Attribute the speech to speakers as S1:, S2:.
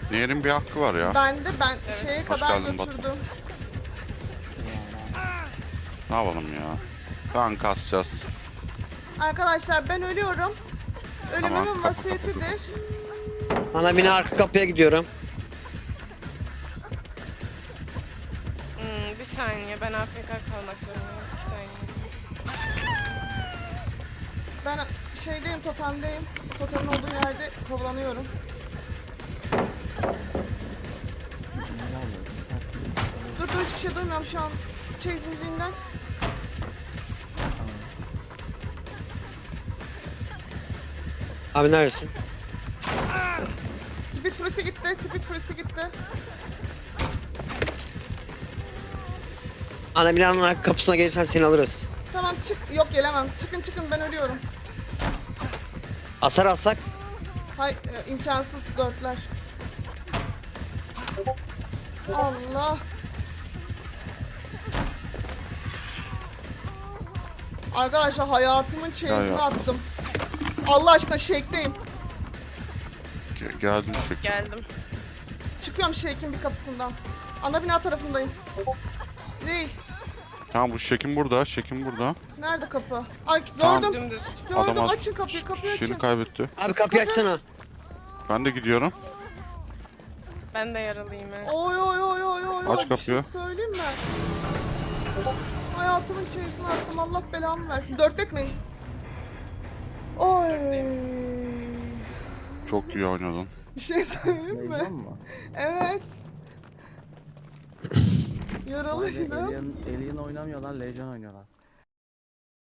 S1: Nehir'in bir hakkı var ya.
S2: Ben
S3: Evet.
S2: şeye
S1: Hoş
S2: kadar
S1: geldin Batu.
S2: götürdüm.
S1: Ne yapalım ya? Kan kasacağız.
S2: Arkadaşlar ben ölüyorum.
S1: Tamam,
S2: Ölümümün
S1: kapı, kapı,
S2: vasiyetidir.
S4: Ana bina arka kapıya gidiyorum.
S3: Bir saniye, ben AFK kalmak zorundayım. 2 saniye.
S2: Ben şeydeyim, totemdeyim. Totemin olduğu yerde kovalanıyorum. Dur hiçbir şey duymuyorum şu an. Chase müziğinden.
S4: Abi neredesin?
S2: Speed Fury'si gitti, Speed Fury'si gitti.
S4: Ana binanın arka kapısına gelirsen seni alırız.
S2: Tamam çık. Yok gelemem. Çıkın ben ölüyorum.
S4: Asar alsak.
S2: Hay imkansız dörtler. Allah. Arkadaşlar hayatımın chase'ini
S1: ya.
S2: attım. Allah aşkına shake'deyim.
S1: Geldim çek.
S3: Geldim.
S2: Çıkıyorum shake'in bir kapısından. Ana bina tarafındayım. Değil.
S1: Tamam bu Şekim burada. Şekim burada.
S2: Nerede kapı? Ay
S1: Tamam.
S2: gördüm.
S3: Dümdüz.
S2: Gördüm.
S1: Adam
S2: Açın kapıyı açın.
S1: Şeyini kaybetti.
S4: Abi kapıyı açsana.
S1: Ben de gidiyorum.
S3: Ben de yaralıyım ha.
S2: Oy.
S1: Aç
S2: Bir
S1: kapıyı.
S2: şey söyleyeyim mi? Hayatımın chase'ini attım. Allah belamı versin. Dörtletmeyin. Oy.
S1: Çok iyi oynadın.
S2: Bir şey söyleyeyim mi?
S5: Heyecan mı?
S2: Evet.
S5: Vay be,
S2: Yaralıydım.
S5: Alien oynamıyorlar, Legion oynuyorlar.